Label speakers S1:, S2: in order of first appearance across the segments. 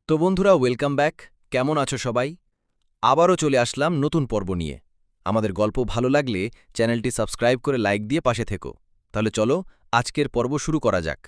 S1: তো বন্ধুরা, welcome back. কেমন আছো সবাই? আবারও চলে আসলাম নতুন পর্ব নিয়ে। আমাদের গল্প ভালো লাগলে চ্যানেলটি সাবস্ক্রাইব করে লাইক দিয়ে পাশে থেকো। তাহলে চলো আজকের পর্ব শুরু করা যাক।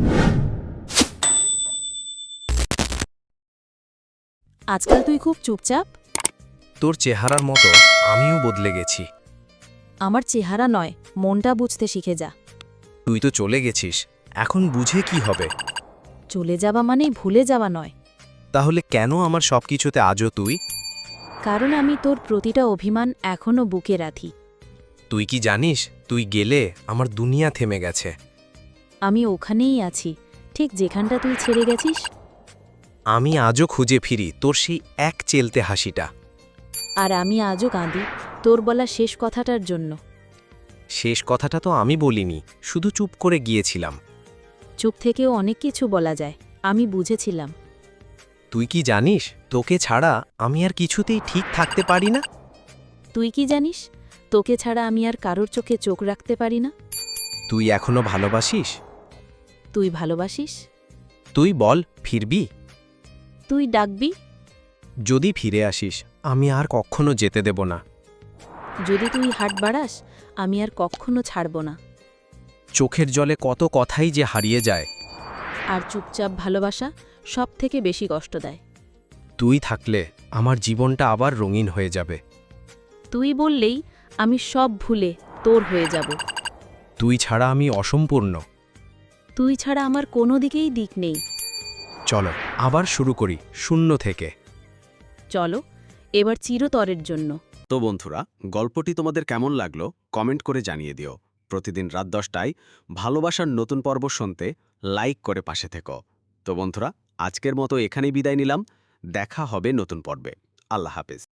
S2: আজকাল তুই খুব চুপচাপ।
S3: তোর চেহারার মতো আমিও বদলে গেছি।
S2: আমার চেহারা নয়, মনটা বুঝতে শিখে যা।
S3: তুই তো চলে গেছিস, এখন বুঝে কি হবে?
S2: চলে যাওয়া মানেই ভুলে যাওয়া নয়।
S3: তাহলে কেন আমার সবকিছুতে আজও তুই?
S2: কারণ আমি তোর প্রতিটা অভিমান এখনো বুকে রাখি।
S3: তুই কি জানিস, তুই গেলে আমার দুনিয়া থেমে গেছে।
S2: আমি ওখানেই আছি, ঠিক যেখানটা তুই ছেড়ে গেছিস।
S3: আমি আজও খুঁজে ফিরি তোর সেই এক চেলতে হাসিটা।
S2: আর আমি আজও কাঁদি তোর বলা শেষ কথাটার জন্য।
S3: শেষ কথাটা তো আমি বলিনি, শুধু চুপ করে গিয়েছিলাম।
S2: চুপ থেকেও অনেক কিছু বলা যায়, আমি বুঝেছিলাম।
S3: তুই কি জানিস, তোকে ছাড়া আমি আর কিছুতেই ঠিক থাকতে পারি না।
S2: তুই কি জানিস, তোকে ছাড়া আমি আর কারোর চোখে চোখ রাখতে পারি না।
S3: তুই এখনো ভালোবাসিস?
S2: তুই ভালোবাসিস?
S3: তুই বল, ফিরবি?
S2: তুই ডাকবি?
S3: যদি ফিরে আসিস, আমি আর কখনো যেতে দেব না।
S2: যদি তুই হাট বাড়াস, আমি আর কখনো ছাড়ব না।
S3: চোখের জলে কত কথাই যে হারিয়ে যায়।
S2: আর চুপচাপ ভালোবাসা সব থেকে বেশি কষ্ট দেয়।
S3: তুই থাকলে আমার জীবনটা আবার রঙিন হয়ে যাবে।
S2: তুই বললেই আমি সব ভুলে তোর হয়ে যাব।
S3: তুই ছাড়া আমি অসম্পূর্ণ।
S2: তুই ছাড়া আমার কোনো দিকেই দিক নেই।
S3: চলো আবার শুরু করি শূন্য থেকে।
S2: চলো এবার চিরতরের জন্য।
S4: তো বন্ধুরা, গল্পটি তোমাদের কেমন লাগলো কমেন্ট করে জানিয়ে দিও। প্রতিদিন রাত 10টায় ভালোবাসার নতুন পর্ব শুনতে লাইক করে পাশে থেকো। তো বন্ধুরা, আজকের মতো এখানেই বিদায় নিলাম। দেখা হবে নতুন পর্বে। আল্লাহ হাফেজ।